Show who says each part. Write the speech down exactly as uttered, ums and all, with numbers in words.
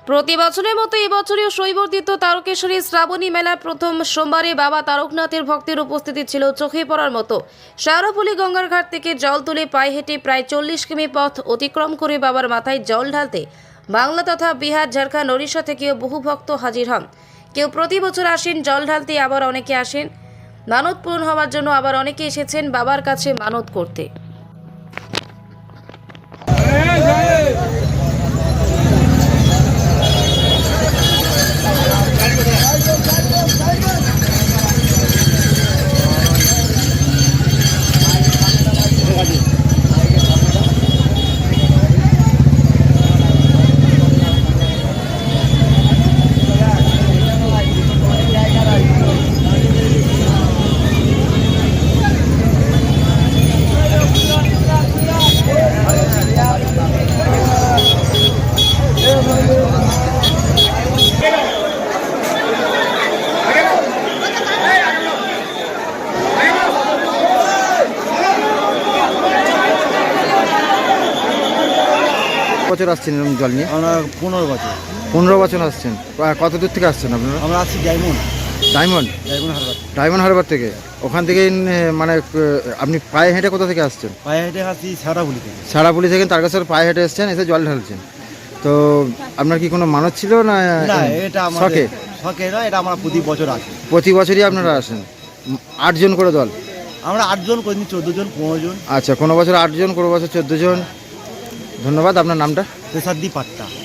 Speaker 1: প্রতি বছরের মতো এবছরেও শৈবর্ধিত তারকেশ্বরী শ্রাবণী মেলার প্রথম সোমবারে বাবা তারকনাথের ভক্তের উপস্থিতি ছিল চোখে পড়ার মতো। শেওড়াফুলি গঙ্গার ঘাট থেকে জল তুলে পায়ে হেঁটে প্রায় চল্লিশ কিমি পথ অতিক্রম করে বাবার মাথায় জল ঢালতে বাংলা তথা বিহার, ঝাড়খণ্ড, ওড়িশা থেকেও বহু ভক্ত হাজির হন। কেউ প্রতি বছর আসেন জল ঢালতে, আবার অনেকে আসেন মানত পূরণ হওয়ার জন্য, আবার অনেকে এসেছেন বাবার কাছে মানত করতে।
Speaker 2: বছর আসছেন এরকম জল নিয়ে?
Speaker 3: আমরা পনেরো বছর
Speaker 2: পনেরো বছর আসছেন। আহ, কত দূর থেকে আসছেন আপনারা?
Speaker 3: আমরা আছি ডায়মন্ড
Speaker 2: ডায়মন্ড
Speaker 3: ডায়মন্ড হারবার।
Speaker 2: ডায়মন্ড হারবার থেকে। ওখান থেকে মানে আহ, আপনি পায়ে হেঁটে কোথা থেকে আসছেন?
Speaker 3: পায়ে হেঁটে আসছি শেওড়াফুলি থেকে।
Speaker 2: সারাপুলি থেকে তারকেশ্বর পায়ে হেঁটে এসছেন, এসে জল ঢালছেন। তো আপনার কি কোনো মানত ছিল না?
Speaker 3: না, এটা
Speaker 2: শখে?
Speaker 3: আমাদের শখে না, এটা আমরা প্রতি বছর আসি।
Speaker 2: প্রতি বছরই আপনারা আসেন? উম, আটজন করে দল?
Speaker 3: আমরা আটজন, কোনদিন চোদ্দো জন, পনেরো জন।
Speaker 2: আচ্ছা, কোনো বছর আটজন, কোনো বছর চোদ্দো জন। ধন্যবাদ। আপনার নামটা?
Speaker 3: তেসাদ্দি পাট্টা।